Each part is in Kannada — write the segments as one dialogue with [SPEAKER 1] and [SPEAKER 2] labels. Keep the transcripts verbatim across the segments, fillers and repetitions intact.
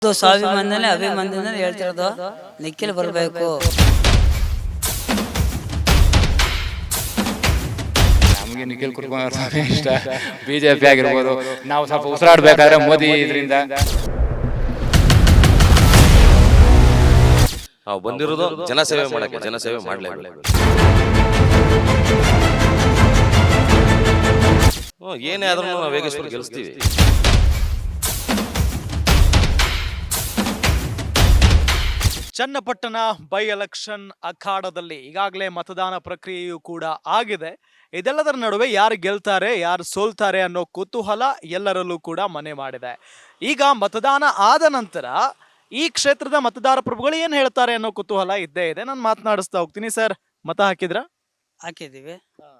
[SPEAKER 1] ಇದು ಸ್ವಾಭಿಮಾನನೇ ಅಭಿಮಾನದಿಂದ ಹೇಳ್ತಿರೋದು. ನಿಖಿಲ್ ಬರಬೇಕು.
[SPEAKER 2] ನಮಗೆ ನಿಖಿಲ್ ಕುಮಾರಸ್ವಾಮಿ ಇಷ್ಟ. ಬಿಜೆಪಿ ಆಗಿರ್ಬೋದು, ನಾವು ಸ್ವಲ್ಪ ಉಸಿರಾಡ್ಬೇಕಾದ್ರೆ ಮೋದಿ ಇದರಿಂದ
[SPEAKER 3] ನಾವು ಬಂದಿರೋದು ಜನಸೇವೆ ಮಾಡಕ್ಕೆ, ಜನಸೇವೆ ಮಾಡಲೇಬೇಕು. ಏನೇ ಆದ್ರೂ ನಾವು ವೇಗೇಶ್ವರ ಗೆಲ್ಲಿಸ್ತೀವಿ.
[SPEAKER 4] ಚನ್ನಪಟ್ಟಣ ಬೈ ಎಲೆಕ್ಷನ್ ಅಖಾಡದಲ್ಲಿ ಈಗಾಗಲೇ ಮತದಾನ ಪ್ರಕ್ರಿಯೆಯೂ ಕೂಡ ಆಗಿದೆ. ಇದೆಲ್ಲದರ ನಡುವೆ ಯಾರು ಗೆಲ್ತಾರೆ, ಯಾರು ಸೋಲ್ತಾರೆ ಅನ್ನೋ ಕುತೂಹಲ ಎಲ್ಲರಲ್ಲೂ ಕೂಡ ಮನೆ ಮಾಡಿದೆ. ಈಗ ಮತದಾನ ಆದ ನಂತರ ಈ ಕ್ಷೇತ್ರದ ಮತದಾರ ಪ್ರಭುಗಳು ಏನ್ ಹೇಳ್ತಾರೆ ಅನ್ನೋ ಕುತೂಹಲ ಇದ್ದೇ ಇದೆ. ನಾನು ಮಾತನಾಡಿಸ್ತಾ ಹೋಗ್ತೀನಿ. ಸರ್, ಮತ ಹಾಕಿದ್ರ?
[SPEAKER 1] ಹಾಕಿದ್ದೀವಿ.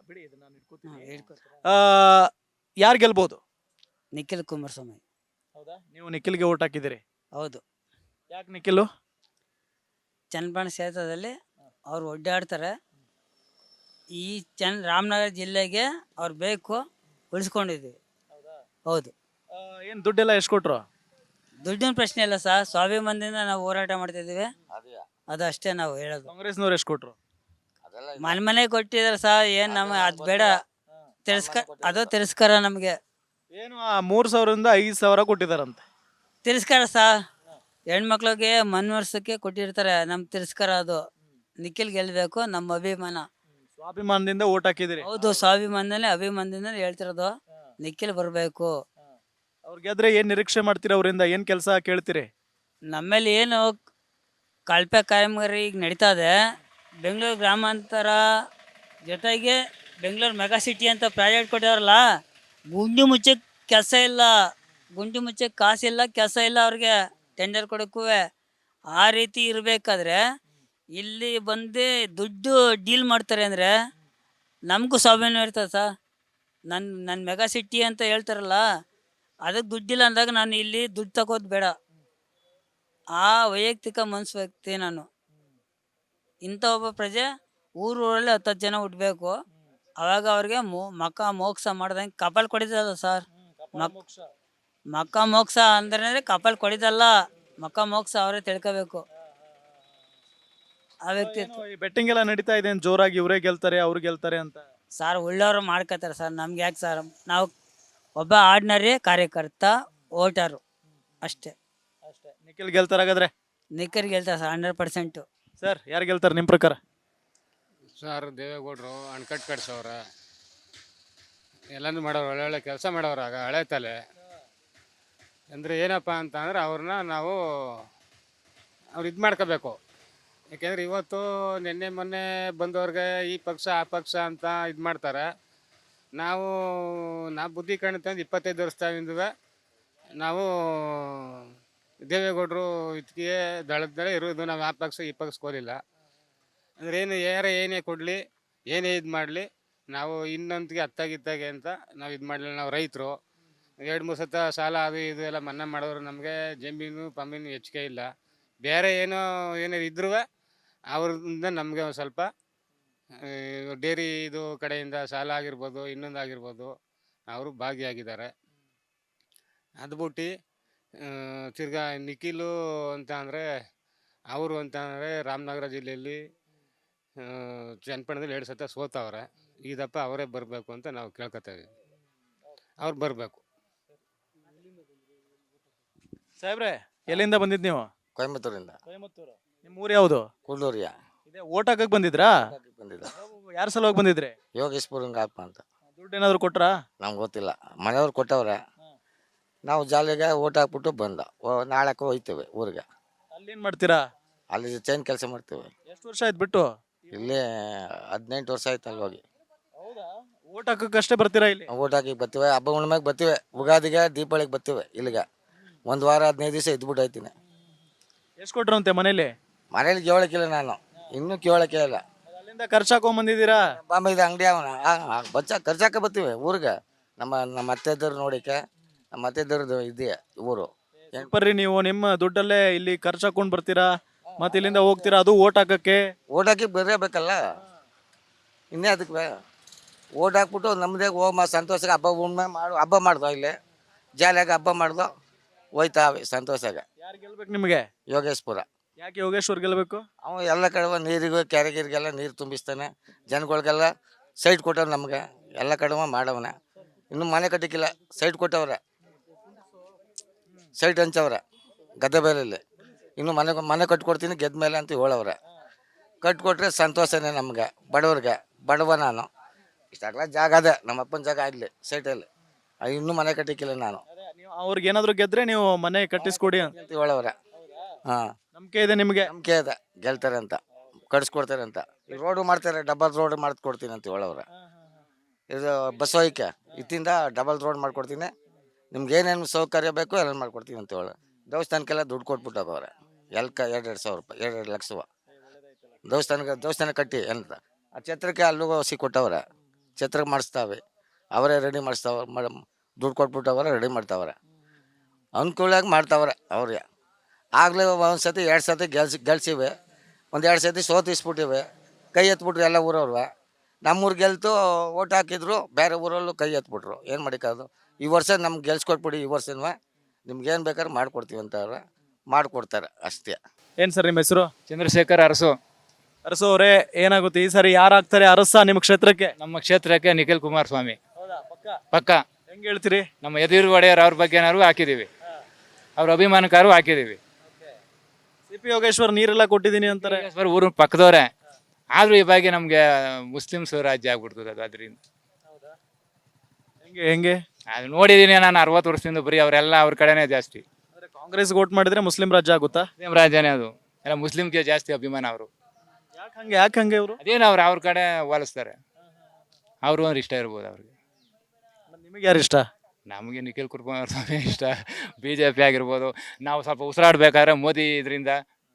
[SPEAKER 4] ಯಾರು ಗೆಲ್ಬಹುದು?
[SPEAKER 1] ನಿಖಿಲ್ ಕುಮಾರಸ್ವಾಮಿ.
[SPEAKER 4] ಹೌದಾ? ನೀವು ನಿಖಿಲ್ಗೆ ಓಟ್ ಹಾಕಿದಿರಿ?
[SPEAKER 1] ಹೌದು.
[SPEAKER 4] ಯಾಕೆ ನಿಖಿಲ್?
[SPEAKER 1] ಚನ್ನಪಟ್ಟಣ ಕ್ಷೇತ್ರದಲ್ಲಿ ಅವ್ರು ಒಡ್ಡಾಡ್ತಾರೆ. ಈ ಚನ್ ರಾಮನಗರ ಜಿಲ್ಲೆಗೆ ಅವ್ರು ಬೇಕು, ಉಳಿಸ್ಕೊಂಡಿದ್ದೀವಿ. ಹೌದು.
[SPEAKER 4] ಏನ್ ದುಡ್ಡೆಲ್ಲ ಎಷ್ಟು ಕೊಟ್ರು?
[SPEAKER 1] ದುಡ್ಡಿನ ಪ್ರಶ್ನೆ ಇಲ್ಲ ಸರ್, ಸ್ವಾಭಿಮಾನದಿಂದ ನಾವು ಹೋರಾಟ ಮಾಡ್ತಿದ್ದೀವಿ. ಅದು ಅಷ್ಟೇ ನಾವು ಹೇಳೋದು.
[SPEAKER 4] ಕಾಂಗ್ರೆಸ್ನವ್ರು ಎಷ್ಟು ಕೊಟ್ರು?
[SPEAKER 1] ಮನೆ ಮನೆ ಕೊಟ್ಟಿದ್ದಾರೆ ಸರ್. ಏನ್ ನಮಗೆ ಅದು ಬೇಡ, ತಿರಸ್ಕಾರ. ಅದು ತಿರಸ್ಕಾರ. ನಮಗೆ
[SPEAKER 4] ಏನು ಆ ಮೂರ್ ಸಾವಿರದಿಂದ ಐದು ಸಾವಿರ ಕೊಟ್ಟಿದಾರಂತೆ.
[SPEAKER 1] ತಿರಸ್ಕಾರ ಸರ್. ಹೆಣ್ಮಕ್ಳಿಗೆ ಮನ್ವರ್ಸಕ್ಕೆ ಕೊಟ್ಟಿರ್ತಾರೆ. ನಮ್ ತಿರಸ್ಕಾರ ಅದು. ನಿಖಿಲ್ ಗೆಲ್ಬೇಕು, ನಮ್ಮ ಅಭಿಮಾನ.
[SPEAKER 4] ಸ್ವಾಭಿಮಾನದಿಂದ ಓಟ್ ಹಾಕಿದಿರಿ?
[SPEAKER 1] ಹೌದು, ಸ್ವಾಭಿಮಾನದಲ್ಲೇ ಅಭಿಮಾನದಿಂದ ಹೇಳ್ತಿರೋದು. ನಿಖಿಲ್ ಬರಬೇಕು.
[SPEAKER 4] ಅವ್ರು ಗೆದ್ರೆ ಏನ್ ನಿರೀಕ್ಷೆ ಮಾಡ್ತೀರಿ? ಅವರಿಂದ ಏನ್ ಕೆಲಸ ಕೇಳ್ತೀರಿ?
[SPEAKER 1] ನಮ್ಮಲ್ಲಿ ಏನು ಕಳಪೆ ಕಾಮಗಾರಿ ಈಗ ನಡೀತಾ ಇದೆ. ಬೆಂಗಳೂರು ಗ್ರಾಮಾಂತರ ಜೊತೆಗೆ ಬೆಂಗಳೂರು ಮೆಗಾ ಸಿಟಿ ಅಂತ ಪ್ರಾಜೆಕ್ಟ್ ಕೊಟ್ಟಿದಾರಲ್ಲ, ಗುಂಡಿ ಮುಚ್ಚಕ್ಕೆ ಕೆಲಸ ಇಲ್ಲ, ಗುಂಡಿ ಮುಚ್ಚಕ್ಕೆ ಕಾಸಿಲ್ಲ, ಕೆಲಸ ಇಲ್ಲ ಅವ್ರಿಗೆ ಟೆಂಡರ್ ಕೊಡೋಕ್ಕೂ. ಆ ರೀತಿ ಇರಬೇಕಾದ್ರೆ ಇಲ್ಲಿ ಬಂದು ದುಡ್ಡು ಡೀಲ್ ಮಾಡ್ತಾರೆ ಅಂದರೆ ನಮಗೂ ಸ್ವಾಭಿಮಾನ ಇರ್ತದೆ ಸರ್. ನನ್ನ ನನ್ನ ಮೆಗಾ ಸಿಟಿ ಅಂತ ಹೇಳ್ತಾರಲ್ಲ, ಅದಕ್ಕೆ ದುಡ್ಡಿಲ್ಲ ಅಂದಾಗ ನಾನು ಇಲ್ಲಿ ದುಡ್ಡು ತಗೋದು ಬೇಡ. ಆ ವೈಯಕ್ತಿಕ ಮನಸ್ಸು ವ್ಯಕ್ತಿ ನಾನು. ಇಂಥ ಒಬ್ಬ ಪ್ರಜೆ ಊರೂರಲ್ಲಿ ಹತ್ತು ಜನ ಹುಟ್ಟಬೇಕು. ಅವಾಗ ಅವ್ರಿಗೆ ಮೋ ಮಕ್ಕ ಮೋಕ್ಷ ಮಾಡ್ದಂಗೆ ಕಪಾಲ್ ಕೊಡಿದಲ್ಲ ಸರ್. ಮಕ್ ಮಕ್ಕ ಮೋಕ್ಷ ಅಂದ್ರೆ ಕಪಾಲ್ ಕೊಡಿದಲ್ಲ, ಮಕ್ಕ ಮೋಕ್ಷ ಅವರೇ ತಿಳ್ಕೋಬೇಕು. ಆ ವ್ಯಕ್ತಿ
[SPEAKER 4] ಬೆಟ್ಟಿಂಗ್ ಎಲ್ಲ ನಡೀತಾ ಇದೆ ಜೋರಾಗಿ, ಇವರೇ ಗೆಲ್ತಾರೆ ಅವ್ರು ಗೆಲ್ತಾರೆ ಅಂತ.
[SPEAKER 1] ಸರ್, ಒಳ್ಳೆಯವರು ಮಾಡ್ಕೋತಾರೆ ಸರ್. ನಮ್ಗೆ ಯಾಕೆ ಸರ್? ನಾವು ಒಬ್ಬ ಆರ್ಡಿನರಿ ಕಾರ್ಯಕರ್ತ, ವೋಟರು ಅಷ್ಟೇ.
[SPEAKER 4] ಅಷ್ಟೇ. ನಿಖಿಲ್ ಗೆಲ್ತಾರೆ ಹಾಗಾದ್ರೆ?
[SPEAKER 1] ನಿಖಿಲ್ ಗೆಲ್ತಾರೆ ಸರ್, ಹಂಡ್ರೆಡ್ ಪರ್ಸೆಂಟು.
[SPEAKER 4] ಸರ್, ಯಾರು ಗೆಲ್ತಾರೆ ನಿಮ್ಮ ಪ್ರಕಾರ?
[SPEAKER 2] ಸರ್, ದೇವೇಗೌಡರು ಅಣಕಟ್ಟು ಕಟ್ಸವ್ರ, ಎಲ್ಲನೂ ಮಾಡೋರು, ಒಳ್ಳೆ ಒಳ್ಳೆ ಕೆಲಸ ಮಾಡೋರು. ಆಗ ಹಳೆ ತಲೆ ಅಂದರೆ ಏನಪ್ಪ ಅಂತ ಅಂದ್ರೆ ಅವ್ರನ್ನ ನಾವು ಅವ್ರು ಇದು ಮಾಡ್ಕೋಬೇಕು. ಯಾಕೆಂದರೆ ಇವತ್ತು ನಿನ್ನೆ ಮೊನ್ನೆ ಬಂದವ್ರಿಗೆ ಈ ಪಕ್ಷ ಆ ಪಕ್ಷ ಅಂತ ಇದು ಮಾಡ್ತಾರೆ. ನಾವು ನಾವು ಬುದ್ಧಿ ಕಾಣುತ್ತೆ ಇಪ್ಪತ್ತೈದು ವರ್ಷದಿಂದವೆ ನಾವು ದೇವೇಗೌಡರು ಇದಕ್ಕೆ ದಳದಲ್ಲೇ ಇರೋದು. ನಾವು ಆ ಪಕ್ಷ ಈ ಪಕ್ಷಕ್ಕೆ ಹೋಲಿಲ್ಲ. ಅಂದ್ರೆ ಏನು ಯಾರೇ ಏನೇ ಕೊಡಲಿ, ಏನೇ ಇದು ಮಾಡಲಿ, ನಾವು ಇನ್ನೊಂದಿಗೆ ಹತ್ತಾಗಿತ್ತಾಗೆ ಅಂತ ನಾವು ಇದು ಮಾಡಲಿಲ್ಲ. ನಾವು ರೈತರು, ಎರಡು ಮೂರು ಸತ ಸಾಲ ಅದು ಇದು ಎಲ್ಲ ಮನ್ನಾ ಮಾಡೋರು. ನಮಗೆ ಜಮೀನು ಪಮೀನು ಹೆಚ್ಚಿಗೆ ಇಲ್ಲ. ಬೇರೆ ಏನೋ ಏನೋ ಇದ್ರೂ ಅವ್ರಿಂದ ನಮಗೆ ಒಂದು ಸ್ವಲ್ಪ ಡೇರಿ ಇದು ಕಡೆಯಿಂದ ಸಾಲ ಆಗಿರ್ಬೋದು, ಇನ್ನೊಂದು ಆಗಿರ್ಬೋದು, ಅವರು ಭಾಗಿಯಾಗಿದ್ದಾರೆ. ಅದು ಬಿಟ್ಟು ತಿರ್ಗಾ ನಿಖಿಲು ಅಂತ ಅಂದರೆ ಅವರು ಅಂತ ಅಂದರೆ ರಾಮನಗರ ಜಿಲ್ಲೆಯಲ್ಲಿ ಚನ್ನಪಟ್ಟಣದಲ್ಲಿ ಎರಡು ಸತ ಸೋತವ್ರೆ. ಈ ದಪ್ಪ ಅವರೇ ಬರಬೇಕು ಅಂತ ನಾವು ಕೇಳ್ಕೊತಾ ಇದ್ದೀವಿ. ಅವ್ರು ಬರಬೇಕು.
[SPEAKER 4] ಸಾಹೇಬ್ರೆ, ಎಲ್ಲಿಂದ ಬಂದಿದ್ದು ನೀವು?
[SPEAKER 5] ಕೊಯಮತ್ತೂರಿಂದ.
[SPEAKER 4] ಕೊಯಮತ್ತೂರು. ನಿಮ್ಮ ಊರು ಯಾವುದು?
[SPEAKER 5] ಕುಳ್ಳೂರಿಯ.
[SPEAKER 4] ಇದೇ ಓಟ್ ಹಾಕಕ್ಕೆ ಬಂದಿದ್ರಾ?
[SPEAKER 5] ಬಂದಿದ್ದ.
[SPEAKER 4] ಯಾರ ಸಲುವಾಗಿ ಬಂದಿದ್ರಿ?
[SPEAKER 5] ಯೋಗೇಶ್ಪುರ ಆತ್ಮ ಅಂತ.
[SPEAKER 4] ದುಡ್ಡು ಏನಾದ್ರು ಕೊಟ್ರಾ?
[SPEAKER 5] ನಮ್ಗೆ ಗೊತ್ತಿಲ್ಲ, ಮನೆಯವ್ರು ಕೊಟ್ಟವ್ರೆ. ನಾವು ಜಾಲಿಗೆ ಓಟ್ ಹಾಕ್ಬಿಟ್ಟು ಬಂದ. ನಾಳಕ್ಕೆ ಹೋಯ್ತೇವೆ ಊರಿಗೆ.
[SPEAKER 4] ಅಲ್ಲಿ ಏನ್ ಮಾಡ್ತೀರಾ?
[SPEAKER 5] ಅಲ್ಲಿ ಚೈನ್ ಕೆಲಸ ಮಾಡ್ತೇವೆ.
[SPEAKER 4] ಎಷ್ಟು ವರ್ಷ ಆಯ್ತು ಬಿಟ್ಟು?
[SPEAKER 5] ಇಲ್ಲಿ ಹದಿನೆಂಟು ವರ್ಷ ಆಯ್ತು ಅಲ್ಲಿ ಹೋಗಿ.
[SPEAKER 4] ಹೌದಾ? ಓಟ್ ಹಾಕಕ್ಕೆ ಅಷ್ಟೇ ಬರ್ತೀರಾ ಇಲ್ಲಿ?
[SPEAKER 5] ಓಟ್ ಹಾಕಿ ಬರ್ತೀವಿ, ಹಬ್ಬ ಹುಣ್ಣಿಮೆಗೆ ಬರ್ತೀವಿ, ಉಗಾದಿಗೆ ದೀಪಾವಳಿಗೆ ಬರ್ತೀವಿ ಇಲ್ಲಿಗೆ. ಒಂದು ವಾರ ಹದಿನೈದು ದಿವಸ ಇದ್ಬಿಟ್ಟು ಹೋಯ್ತೀನಿ.
[SPEAKER 4] ಎಷ್ಟು ಕೊಟ್ರಂತೆ ಮನೇಲಿ?
[SPEAKER 5] ಮನೇಲಿ ಕೇಳಕ್ಕಿಲ್ಲ, ನಾನು ಇನ್ನೂ ಕೇಳಕ್ಕೆ ಇಲ್ಲ.
[SPEAKER 4] ಅಲ್ಲಿಂದ ಖರ್ಚು ಹಾಕೊಂಬಂದಿದ್ದೀರಾ?
[SPEAKER 5] ಬಾಂಬೆ ಇದು ಅಂಗಡಿ ಅವನ ಬಚ್ಚ ಖರ್ಚಾಕ ಬರ್ತೀವಿ ಊರಿಗೆ. ನಮ್ಮ ನಮ್ಮ ಅತ್ತೆದವ್ರು ನೋಡಿಕೆ, ನಮ್ಮ ಅತ್ತೆದವ್ರದ್ದು ಇದೆಯಾ ಊರು.
[SPEAKER 4] ಬರ್ರಿ, ನೀವು ನಿಮ್ಮ ದುಡ್ಡಲ್ಲೇ ಇಲ್ಲಿ ಖರ್ಚು ಹಾಕೊಂಡು ಬರ್ತೀರಾ, ಮತ್ತೆ ಇಲ್ಲಿಂದ ಹೋಗ್ತೀರಾ, ಅದು ಓಟ್ ಹಾಕಕ್ಕೆ.
[SPEAKER 5] ಓಟ್ ಹಾಕಿ ಬರಬೇಕಲ್ಲ, ಇನ್ನೇ ಅದಕ್ಕೆ ಓಟ್ ಹಾಕ್ಬಿಟ್ಟು ನಮ್ಮದೇ ಹೋಮ ಸಂತೋಷಕ್ಕೆ ಹಬ್ಬ ಹುಣ್ಣಿಮೆ ಮಾಡು ಹಬ್ಬ ಮಾಡ್ದೋ. ಇಲ್ಲಿ ಜಾಲಿಯಾಗಿ ಹಬ್ಬ ಮಾಡ್ದೋ, ಹೋಯ್ತಾವೆ ಸಂತೋಷಾಗ.
[SPEAKER 4] ಯಾರು ಗೆಲ್ಬೇಕು ನಿಮಗೆ?
[SPEAKER 5] ಯೋಗೇಶ್ಪುರ.
[SPEAKER 4] ಯಾಕೆ ಯೋಗೇಶ್ವರ್ ಗೆಲ್ಬೇಕು?
[SPEAKER 5] ಅವ ಎಲ್ಲ ಕಡೆ ನೀರಿಗೂ ಕೆರೆಗಿರಿಗೆಲ್ಲ ನೀರು ತುಂಬಿಸ್ತಾನೆ, ಜನಗಳಿಗೆಲ್ಲ ಸೈಟ್ ಕೊಟ್ಟವ್ರು ನಮ್ಗೆ, ಎಲ್ಲ ಕಡೆ ಮಾಡವನ. ಇನ್ನು ಮನೆ ಕಟ್ಟಿಕ್ಕಿಲ್ಲ, ಸೈಟ್ ಕೊಟ್ಟವ್ರೆ, ಸೈಟ್ ಹಂಚವ್ರೆ ಗದ್ದೆ ಬೇಲಲ್ಲಿ. ಇನ್ನು ಮನೆ ಮನೆ ಕಟ್ಕೊಡ್ತೀನಿ ಗೆದ್ದ ಮೇಲೆ ಅಂತ ಹೇಳವ್ರೆ. ಕಟ್ಕೊಟ್ರೆ ಸಂತೋಷನೇ ನಮ್ಗೆ, ಬಡವ್ರಿಗೆ. ಬಡವ ನಾನು, ಇಷ್ಟಾಗಲ ಜಾಗ ಅದೇ ನಮ್ಮ ಅಪ್ಪನ ಜಾಗ ಆಗಲಿ ಸೈಟಲ್ಲಿ, ಇನ್ನೂ ಮನೆ ಕಟ್ಟಿಕ್ಕಿಲ್ಲ ನಾನು
[SPEAKER 4] ನೀವು ಅವ್ರಿಗೆ ಏನಾದ್ರು ಗೆದ್ರೆ ನೀವು ಮನೆ ಕಟ್ಟಿಸ್ಕೊಡಿ ಅಂತ
[SPEAKER 5] ಅಂತ ಹೇಳವ್ರೆ. ಹಾಂ,
[SPEAKER 4] ನಂಬಿಕೆ ಇದೆ ನಿಮಗೆ?
[SPEAKER 5] ನಂಬಿಕೆ ಇದೆ ಗೆಲ್ತಾರೆ ಅಂತ, ಕಟ್ಸ್ಕೊಡ್ತಾರೆ ಅಂತ. ಈ ರೋಡು ಮಾಡ್ತಾರೆ, ಡಬಲ್ ರೋಡ್ ಮಾಡ್ಕೊಡ್ತೀನಿ ಅಂತ ಹೇಳವ್ರೆ. ಇದು ಬಸ್ ಹೋಯ್ಕೆ ಇತ್ತಿಂದ ಡಬಲ್ ರೋಡ್ ಮಾಡ್ಕೊಡ್ತೀನಿ, ನಿಮ್ಗೆ ಏನೇನು ಸೌಕರ್ಯ ಬೇಕು ಎಲ್ಲ ಮಾಡ್ಕೊಡ್ತೀನಿ ಅಂತ ಹೇಳಿ. ದೇವಸ್ಥಾನಕ್ಕೆಲ್ಲ ದುಡ್ಡು ಕೊಟ್ಬಿಟ್ಟು ಹೋಗವ್ರೆ, ಎಲ್ಕ ಎರಡು ಎರಡು ಸಾವಿರ ರೂಪಾಯಿ, ಎರಡು ಎರಡು ಲಕ್ಷವ ದೇವಸ್ಥಾನಕ್ಕೆ ದೇವಸ್ಥಾನ ಕಟ್ಟಿ ಅಂತ. ಆ ಛತ್ರಕ್ಕೆ ಅಲ್ಲೂ ಸಿ ಕೊಟ್ಟವ್ರೆ, ಛತ್ರಕ್ಕೆ ಮಾಡಿಸ್ತಾವೆ ಅವರೇ, ರೆಡಿ ಮಾಡಿಸ್ತಾವ, ದುಡ್ಡು ಕೊಟ್ಬಿಟ್ಟವ್ರೆ, ರೆಡಿ ಮಾಡ್ತಾವ್ರೆ, ಅನುಕೂಲಾಗಿ ಮಾಡ್ತಾವ್ರೆ ಅವ್ರಿಗೆ. ಆಗಲೇ ಒಂದು ಸತಿ ಎರಡು ಸತಿ ಗೆಲ್ಸಿ ಗೆಲ್ಸಿವೆ, ಒಂದು ಎರಡು ಸತಿ ಸೋತಿಸ್ಬಿಟ್ಟಿವೆ, ಕೈ ಎತ್ಬಿಟ್ರು ಎಲ್ಲ ಊರವ್ರು. ನಮ್ಮೂರು ಗೆಲ್ತು ಓಟ್ ಹಾಕಿದ್ರು, ಬೇರೆ ಊರಲ್ಲೂ ಕೈ ಎತ್ಬಿಟ್ರು. ಏನು ಮಾಡಿಕೋದು? ಈ ವರ್ಷ ನಮ್ಗೆ ಗೆಲ್ಸ್ಕೊಟ್ಬಿಡಿ, ಈ ವರ್ಷನೂ ನಿಮ್ಗೇನು ಬೇಕಾದ್ರೆ ಮಾಡ್ಕೊಡ್ತೀವಿ ಅಂತ ಅವ್ರೆ, ಮಾಡಿಕೊಡ್ತಾರೆ ಅಷ್ಟೇ.
[SPEAKER 4] ಏನು ಸರ್ ನಿಮ್ಮ ಹೆಸರು?
[SPEAKER 6] ಚಂದ್ರಶೇಖರ್ ಅರಸು.
[SPEAKER 4] ಅರಸು ಅವರೇ, ಏನಾಗುತ್ತೆ ಈ ಸರಿ ಯಾರಾಗ್ತಾರೆ ಅರಸ ನಿಮ್ಮ ಕ್ಷೇತ್ರಕ್ಕೆ?
[SPEAKER 6] ನಮ್ಮ ಕ್ಷೇತ್ರಕ್ಕೆ ನಿಖಿಲ್ ಕುಮಾರಸ್ವಾಮಿ ಪಕ್ಕ.
[SPEAKER 4] ಹೆಂಗೆ ಹೇಳ್ತೀರಿ?
[SPEAKER 6] ನಮ್ಮ ಯದುವೀರ್ ಒಡೆಯರ್ ಅವ್ರ ಬಗ್ಗೆ ಏನಾರು ಹಾಕಿದೀವಿ, ಅವ್ರ ಅಭಿಮಾನಕಾರು ಹಾಕಿದೀವಿ.
[SPEAKER 4] ಸಿ ಪಿ ಯೋಗೇಶ್ವರ್ ನೀರೆಲ್ಲ ಕೊಟ್ಟಿದ್ದೀನಿ ಅಂತಾರೆ.
[SPEAKER 6] ಬರೀ ಊರು ಪಕ್ಕದವ್ರೆ, ಆದ್ರೂ ಈ ಬಗ್ಗೆ ನಮ್ಗೆ ಮುಸ್ಲಿಮ್ಸ್ ರಾಜ್ಯ ಆಗ್ಬಿಡ್ತದೆ ಅದು. ಅದರಿಂದ
[SPEAKER 4] ಹೆಂಗೆ ಹೆಂಗೆ
[SPEAKER 6] ಅದು ನೋಡಿದೀನಿ ನಾನು ಅರವತ್ತು ವರ್ಷದಿಂದ, ಬರೀ ಅವರೆಲ್ಲ ಅವ್ರ ಕಡೆನೇ ಜಾಸ್ತಿ.
[SPEAKER 4] ಕಾಂಗ್ರೆಸ್ ವೋಟ್ ಮಾಡಿದ್ರೆ ಮುಸ್ಲಿಂ ರಾಜ್ಯ ಆಗುತ್ತಾ?
[SPEAKER 6] ಮುಸ್ಲಿಂ ರಾಜ್ಯನೇ ಅದು, ಎಲ್ಲ ಮುಸ್ಲಿಮ್ಗೆ ಜಾಸ್ತಿ ಅಭಿಮಾನ ಅವರು.
[SPEAKER 4] ಯಾಕೆ ಹಂಗೆ ಯಾಕೆ ಹಂಗೆ ಇವರು?
[SPEAKER 6] ಅದೇನು ಅವ್ರು ಅವ್ರ ಕಡೆ ಹೋಲಿಸ್ತಾರೆ, ಅವರು ಅಂದ್ರೆ ಇಷ್ಟ ಇರ್ಬೋದು ಅವ್ರಿಗೆ.
[SPEAKER 4] ನಿಮಗೆ ಯಾರು ಇಷ್ಟ?
[SPEAKER 6] ನಮಗೆ ನಿಖಿಲ್ ಕುಮಾರಸ್ವಾಮಿ ಇಷ್ಟ. ಬಿ ಜೆ ಪಿ ಆಗಿರ್ಬೋದು, ನಾವು ಸ್ವಲ್ಪ ಉಸಿರಾಡ್ಬೇಕಾದ್ರೆ ಮೋದಿ ಇದರಿಂದ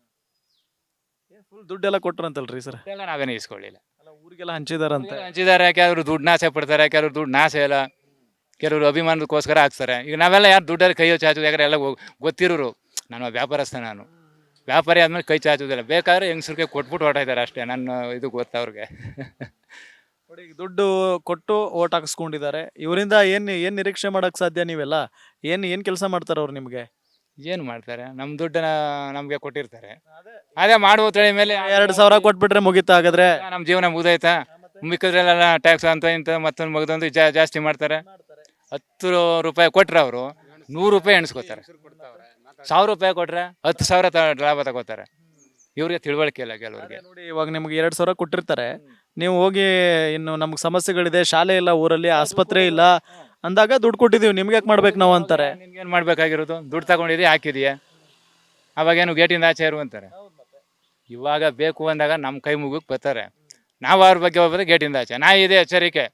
[SPEAKER 4] ಫುಲ್ ದುಡ್ಡೆಲ್ಲ ಕೊಟ್ರಂತಲ್ರಿ ಸರ್?
[SPEAKER 6] ಎಲ್ಲ ನಾವೇನು ಇಸ್ಕೊಳ್ಳಿಲ್ಲ,
[SPEAKER 4] ಊರಿಗೆಲ್ಲ ಹಂಚಿದಾರಂತೆ.
[SPEAKER 6] ಹಂಚಿದ್ದಾರೆ. ಕೆಲವರು ದುಡ್ಡು ನಾಶ ಪಡ್ತಾರೆ, ಕೆಲವರು ದುಡ್ಡು ನಾಶ ಇಲ್ಲ, ಕೆಲವರು ಅಭಿಮಾನದಕ್ಕೋಸ್ಕರ ಹಾಕ್ತಾರೆ. ಈಗ ನಾವೆಲ್ಲ ಯಾರು ದುಡ್ಡಲ್ಲಿ ಕೈ ಚಾಚೋದು? ಯಾಕಂದ್ರೆ ಎಲ್ಲ ಗೊತ್ತಿರೋರು, ನಾನು ವ್ಯಾಪಾರಸ್ಥ, ನಾನು ವ್ಯಾಪಾರಿ ಆದ್ಮೇಲೆ ಕೈ ಚಾಚೋದಿಲ್ಲ. ಬೇಕಾದ್ರೆ ಹೆಂಗಸ್ರಿಗೆ ಕೊಟ್ಬಿಟ್ಟು ಹೊರಟಾಯ್ತಾರೆ ಅಷ್ಟೇ, ನನ್ನ ಇದು ಗೊತ್ತು ಅವ್ರಿಗೆ.
[SPEAKER 4] ನೋಡಿ, ದುಡ್ಡು ಕೊಟ್ಟು ಓಟ್ ಹಾಕಿಸ್ಕೊಂಡಿದ್ದಾರೆ. ಇವರಿಂದ ಏನು ಏನು ನಿರೀಕ್ಷೆ ಮಾಡೋಕ್ಕೆ ಸಾಧ್ಯ? ನೀವೆಲ್ಲ ಏನು ಏನು ಕೆಲಸ ಮಾಡ್ತಾರೆ ಅವ್ರು ನಿಮಗೆ?
[SPEAKER 6] ಏನು ಮಾಡ್ತಾರೆ? ನಮ್ಮ ದುಡ್ಡನ್ನ ನಮಗೆ ಕೊಟ್ಟಿರ್ತಾರೆ, ಅದೇ ಮಾಡುವ ತಳಿ ಮೇಲೆ
[SPEAKER 4] ಎರಡು ಸಾವಿರ ಕೊಟ್ಬಿಟ್ರೆ ಮುಗಿತಾ? ಹಾಗಾದ್ರೆ
[SPEAKER 6] ನಮ್ಮ ಜೀವನ ಮುಗ್ದೈತಾ? ಮಿಕ್ಕಿದ್ರೆಲ್ಲ ಟ್ಯಾಕ್ಸ್ ಅಂತ ಇಂಥ ಮತ್ತೊಂದು ಮಗದೊಂದು ಜಾ ಜಾಸ್ತಿ ಮಾಡ್ತಾರೆ. ಹತ್ತು ರೂಪಾಯಿ ಕೊಟ್ರೆ ಅವರು ನೂರು ರೂಪಾಯಿ ಎಣಿಸ್ಕೋತಾರೆ, ಸಾವಿರ ರೂಪಾಯಿ ಕೊಟ್ರೆ ಹತ್ತು ಸಾವಿರ ತ ಲಾಭ ತಗೋತಾರೆ. ಇವ್ರಿಗೆ ತಿಳುವಳಿಕೆ ಇಲ್ಲ ಕೆಲವ್ರಿಗೆ.
[SPEAKER 4] ನೋಡಿ, ಇವಾಗ ನಿಮ್ಗೆ ಎರಡು ಸಾವಿರ ಕೊಟ್ಟಿರ್ತಾರೆ, ನೀವು ಹೋಗಿ ಇನ್ನು ನಮ್ಗೆ ಸಮಸ್ಯೆಗಳಿದೆ, ಶಾಲೆ ಇಲ್ಲ ಊರಲ್ಲಿ, ಆಸ್ಪತ್ರೆ ಇಲ್ಲ ಅಂದಾಗ ದುಡ್ಡು ಕೊಟ್ಟಿದ್ದೀವಿ, ನಿಮ್ಗೆ ಯಾಕೆ ಮಾಡ್ಬೇಕು ನಾವು ಅಂತಾರೆ.
[SPEAKER 6] ನಿನ್ಗೇನು ಮಾಡ್ಬೇಕಾಗಿರೋದು? ದುಡ್ಡು ತಗೊಂಡಿದ್ದೀವಿ, ಹಾಕಿದೀಯ, ಅವಾಗೇನು ಗೇಟಿಂದ ಆಚೆ ಇರು ಅಂತಾರೆ. ಇವಾಗ ಬೇಕು ಅಂದಾಗ ನಮ್ಮ ಕೈ ಮುಗಿಗೆ ಬರ್ತಾರೆ, ನಾವು ಅವ್ರ ಬಗ್ಗೆ ಹೋಗ್ಬೋದು ಗೇಟಿಂದ ಆಚೆ. ನಾ ಇದೆ ಎಚ್ಚರಿಕೆ,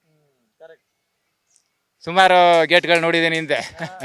[SPEAKER 6] ಸುಮಾರು ಗೇಟ್ಗಳು ನೋಡಿದ್ದೀನಿ ಹಿಂದೆ.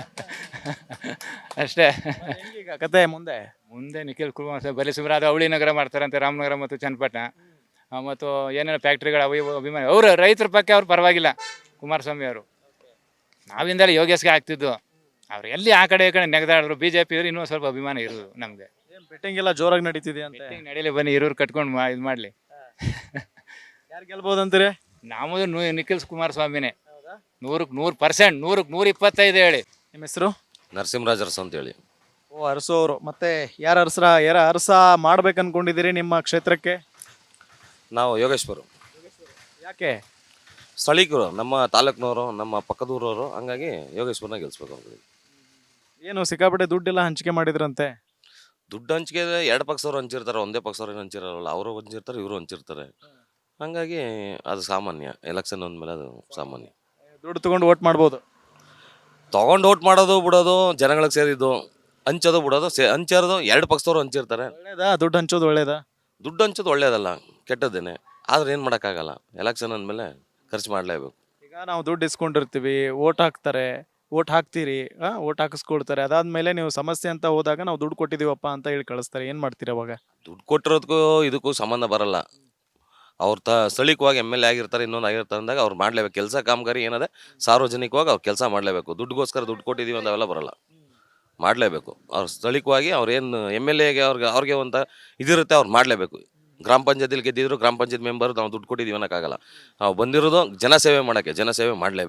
[SPEAKER 6] ಅಷ್ಟೇ
[SPEAKER 4] ಈಗ ಕತೆ ಮುಂದೆ
[SPEAKER 6] ಮುಂದೆ ನಿಖಿಲ್ ಕುಮಾರಸ್ವಾಮಿ ಬರೀ ಸುಮಾರು ಅದು ಅವಳಿ ನಗರ ಮಾಡ್ತಾರಂತೆ, ರಾಮನಗರ ಮತ್ತು ಚನ್ನಪಟ್ಟಣ ಮತ್ತು ಏನೇನು ಫ್ಯಾಕ್ಟ್ರಿಗಳು ಅವು ಇವು ಅಭಿಮಾನಿ. ಅವರು ರೈತರ ಪಕ್ಕ ಅವ್ರು ಪರವಾಗಿಲ್ಲ ಕುಮಾರಸ್ವಾಮಿ ಅವರು. ನಾವಿಂದಲೇ ಯೋಗೇಶ್ಗೆ ಆಗ್ತಿದ್ದು, ಅವ್ರು ಎಲ್ಲಿ ಆ ಕಡೆ ಈ ಕಡೆ ನೆಗೆದಾಡಿದ್ರು. ಬಿ ಜೆ ಪಿ ಅವರು ಇನ್ನೂ ಸ್ವಲ್ಪ ಅಭಿಮಾನ ಇರೋದು ನಮಗೆ.
[SPEAKER 4] ಬೆಟ್ಟಿಂಗ್ ಎಲ್ಲ ಜೋರಾಗಿ ನಡೀತಿದೆ ಅಂತ.
[SPEAKER 6] ನಡೀಲಿ ಬನ್ನಿ, ಇರೋರು ಕಟ್ಕೊಂಡು ಮಾ ಇದು ಮಾಡಲಿ.
[SPEAKER 4] ಯಾರು ಗೆಲ್ಬೋದು ಅಂತೀರಿ?
[SPEAKER 6] ನಮ್ಮದು ನೂ ನಿಖಿಲ್ ಕುಮಾರಸ್ವಾಮಿನೇ, ನೂರಕ್ಕೆ ನೂರು ಪರ್ಸೆಂಟ್, ನೂರಕ್ಕೆ ನೂರ ಇಪ್ಪತ್ತೈದು ಹೇಳಿ.
[SPEAKER 4] ನಿಮ್ಮ ಹೆಸರು?
[SPEAKER 3] ನರಸಿಂಹರಾಜ್ ಅರಸು ಅಂತೇಳಿ.
[SPEAKER 4] ಓ, ಅರಸು ಅವರು. ಮತ್ತೆ ಯಾರು ಅರಸರ ಯಾರ ಅರಸ ಮಾಡ್ಬೇಕು ಅನ್ಕೊಂಡಿದ್ದೀರಿ ನಿಮ್ಮ ಕ್ಷೇತ್ರಕ್ಕೆ?
[SPEAKER 3] ನಾವು ಯೋಗೇಶ್ವರು,
[SPEAKER 4] ಯಾಕೆ?
[SPEAKER 3] ಸ್ಥಳೀಕರು, ನಮ್ಮ ತಾಲೂಕಿನವರು, ನಮ್ಮ ಪಕ್ಕದೂರವರು, ಹಂಗಾಗಿ ಯೋಗೇಶ್ವರನ ಗೆಲ್ಸ್ಬೇಕು ಅವ್ರಿಗೆ.
[SPEAKER 4] ಏನು ಸಿಕ್ಕಾಪಟ್ಟೆ ದುಡ್ಡೆಲ್ಲ ಹಂಚಿಕೆ ಮಾಡಿದ್ರಂತೆ?
[SPEAKER 3] ದುಡ್ಡು ಹಂಚಿಕೆ ಎರಡು ಪಕ್ಷದವ್ರು ಹಂಚಿರ್ತಾರೆ, ಒಂದೇ ಪಕ್ಷದವ್ರು ಹಂಚಿರಲ್ಲ. ಅವರು ಹಂಚಿರ್ತಾರೆ, ಇವರು ಹಂಚಿರ್ತಾರೆ. ಹಂಗಾಗಿ ಅದು ಸಾಮಾನ್ಯ, ಎಲೆಕ್ಷನ್ ಅಂದಮೇಲೆ ಅದು ಸಾಮಾನ್ಯ.
[SPEAKER 4] ದುಡ್ಡು ತಗೊಂಡು ಓಟ್ ಮಾಡ್ಬೋದು?
[SPEAKER 3] ತೊಗೊಂಡು ಓಟ್ ಮಾಡೋದು ಬಿಡೋದು ಜನಗಳಿಗೆ ಸೇರಿದ್ದು, ಹಂಚೋದು ಬಿಡೋದು ಸೇ ಹಂಚಿರೋದು ಎರಡು ಪಕ್ಷದವ್ರು ಹಂಚಿರ್ತಾರೆ.
[SPEAKER 4] ಒಳ್ಳೇದಾ ದುಡ್ಡು ಹಂಚೋದು? ಒಳ್ಳೇದಾ?
[SPEAKER 3] ದುಡ್ಡು ಹಂಚೋದು ಒಳ್ಳೇದಲ್ಲ, ಕೆಟ್ಟದ್ದೇನೆ. ಆದ್ರೆ ಏನು ಮಾಡೋಕ್ಕಾಗಲ್ಲ, ಎಲೆಕ್ಷನ್ ಅಂದಮೇಲೆ ಖರ್ಚು ಮಾಡಲೇಬೇಕು.
[SPEAKER 4] ಈಗ ನಾವು ದುಡ್ಡು ಇಸ್ಕೊಂಡಿರ್ತೀವಿ, ಓಟ್ ಹಾಕ್ತಾರೆ, ಓಟ್ ಹಾಕ್ತೀರಿ, ಓಟ್ ಹಾಕಿಸ್ಕೊಳ್ತಾರೆ. ಅದಾದ್ಮೇಲೆ ನೀವು ಸಮಸ್ಯೆ ಅಂತ ಹೋದಾಗ ನಾವು ದುಡ್ಡು ಕೊಟ್ಟಿದ್ದೀವಪ್ಪ ಅಂತ ಹೇಳಿ ಕಳಿಸ್ತಾರೆ. ಏನು ಮಾಡ್ತೀರಿ ಅವಾಗ?
[SPEAKER 3] ದುಡ್ಡು ಕೊಟ್ಟಿರೋದಕ್ಕೂ ಇದಕ್ಕೂ ಸಂಬಂಧ ಬರಲ್ಲ. ಅವ್ರು ತ ಸ್ಥಳೀಯವಾಗಿ ಎಮ್ ಎಲ್ ಎ ಆಗಿರ್ತಾರೆ, ಇನ್ನೊಂದು ಆಗಿರ್ತಾರೆ ಅಂದಾಗ ಅವ್ರು ಮಾಡಲೇಬೇಕು. ಕೆಲಸ ಕಾಮಗಾರಿ ಏನದೆ ಸಾರ್ವಜನಿಕವಾಗಿ ಅವ್ರು ಕೆಲಸ ಮಾಡಲೇಬೇಕು. ದುಡ್ಡುಗೋಸ್ಕರ ದುಡ್ಡು ಕೊಟ್ಟಿದ್ದೀವಿ ಅಂತಾವೆಲ್ಲ ಬರಲ್ಲ, ಮಾಡಲೇಬೇಕು. ಅವ್ರು ಸ್ಥಳೀಯವಾಗಿ ಅವ್ರು ಏನು ಎಮ್ ಎಲ್ ಎಗೆ ಅವ್ರಿಗೆ ಅವ್ರಿಗೆ ಅಂತ ಇದಿರುತ್ತೆ, ಅವ್ರು ಮಾಡಲೇಬೇಕು. ಗ್ರಾಮ ಪಂಚಾಯತಿಲಿ ಗೆದ್ದಿದ್ರು ಗ್ರಾಮ ಪಂಚಾಯತ್ ಮೆಂಬರ್ ನಾವು ದುಡ್ಡು ಕೊಟ್ಟಿದ್ದೀವಿ ಅನ್ನೋಕ್ಕಾಗಲ್ಲ. ನಾವು ಬಂದಿರೋದು ಜನಸೇವೆ ಮಾಡೋಕ್ಕೆ, ಜನಸೇವೆ ಮಾಡಲೇಬೇಕು.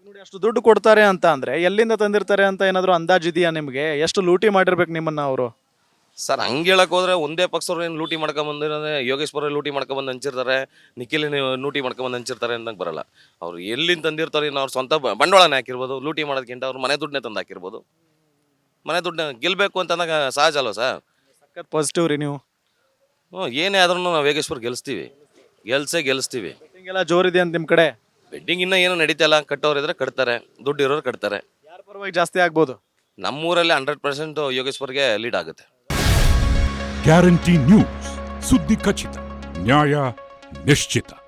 [SPEAKER 4] ನೋಡಿ ಅಷ್ಟು ದುಡ್ಡು ಕೊಡ್ತಾರೆ ಅಂತ ಅಂದ್ರೆ ಎಲ್ಲಿಂದ ತಂದಿರ್ತಾರೆ ಅಂತ ಏನಾದ್ರು ಅಂದಾಜಿದೆಯಾ ನಿಮ್ಗೆ? ಎಷ್ಟು ಲೂಟಿ ಮಾಡಿರ್ಬೇಕು ನಿಮ್ಮನ್ನ ಅವರು?
[SPEAKER 3] ಸರ್ ಹಂಗೆ ಹೇಳಕ್ ಹೋದ್ರೆ ಒಂದೇ ಪಕ್ಷದವ್ರು ಏನು ಲೂಟಿ ಮಾಡ್ಕೊಂಡ್ ಬಂದಿರೋದೇ ಯೋಗೇಶ್ವರ ಲೂಟಿ ಮಾಡ್ಕೊಂಡ್ ಬಂದು ಹಂಚಿರ್ತಾರೆ, ನಿಖಿಲ್ ಲೂಟಿ ಮಾಡ್ಕೊಂಡ್ ಬಂದು ಹಂಚಿರ್ತಾರೆ ಅಂತ ಬರಲ್ಲ. ಅವ್ರು ಎಲ್ಲಿಂದ ತಂದಿರ್ತಾರೆ, ಇನ್ನು ಅವ್ರು ಸ್ವಂತ ಬ- ಬಂಡವಾಳನೇ ಹಾಕಿರ್ಬೋದು. ಲೂಟಿ ಮಾಡೋದಕ್ಕಿಂತ ಅವ್ರು ಮನೆ ದುಡ್ಡನ್ನೇ ತಂದು ಹಾಕಿರ್ಬೋದು. ಮನೆ ದುಡ್ಡನ್ನ ಗೆಲ್ಬೇಕು ಅಂತ ಅಂದಾಗ ಸಹಜ ಅಲ್ವ ಸರ್?
[SPEAKER 4] ಸಖತ್ ಪಾಸಿಟಿವ್ ರೀ ನೀವು.
[SPEAKER 3] ಹ್ಞೂ ಏನೇ ಆದ್ರೂ ನಾವು ಯೋಗೇಶ್ವರ್ ಗೆಲ್ಲಿಸ್ತೀವಿ, ಗೆಲ್ಸೇ ಗೆಲ್ಲಿಸ್ತೀವಿ.
[SPEAKER 4] ಹಿಂಗೆಲ್ಲ ಜೋರಿದೆ ಅಂತ ನಿಮ್ ಕಡೆ?
[SPEAKER 3] ಬೆಡ್ಡಿಂಗ್ ಇನ್ನೂ ಏನೂ ನಡೀತಲ್ಲ. ಕಟ್ಟೋರು ಇದ್ರೆ ಕಟ್ತಾರೆ, ದುಡ್ಡು ಇರೋರು ಕಟ್ತಾರೆ.
[SPEAKER 4] ಯಾರ ಪರವಾಗಿ ಜಾಸ್ತಿ ಆಗ್ಬೋದು?
[SPEAKER 3] ನಮ್ಮೂರಲ್ಲಿ ಹಂಡ್ರೆಡ್ ಪರ್ಸೆಂಟ್ ಯೋಗೇಶ್ವರ್ಗೆ ಲೀಡ್ ಆಗುತ್ತೆ.
[SPEAKER 7] ಗ್ಯಾರಂಟಿ ನ್ಯೂಸ್, ಸುದ್ದಿ ಖಚಿತ, ನ್ಯಾಯ ನಿಶ್ಚಿತ.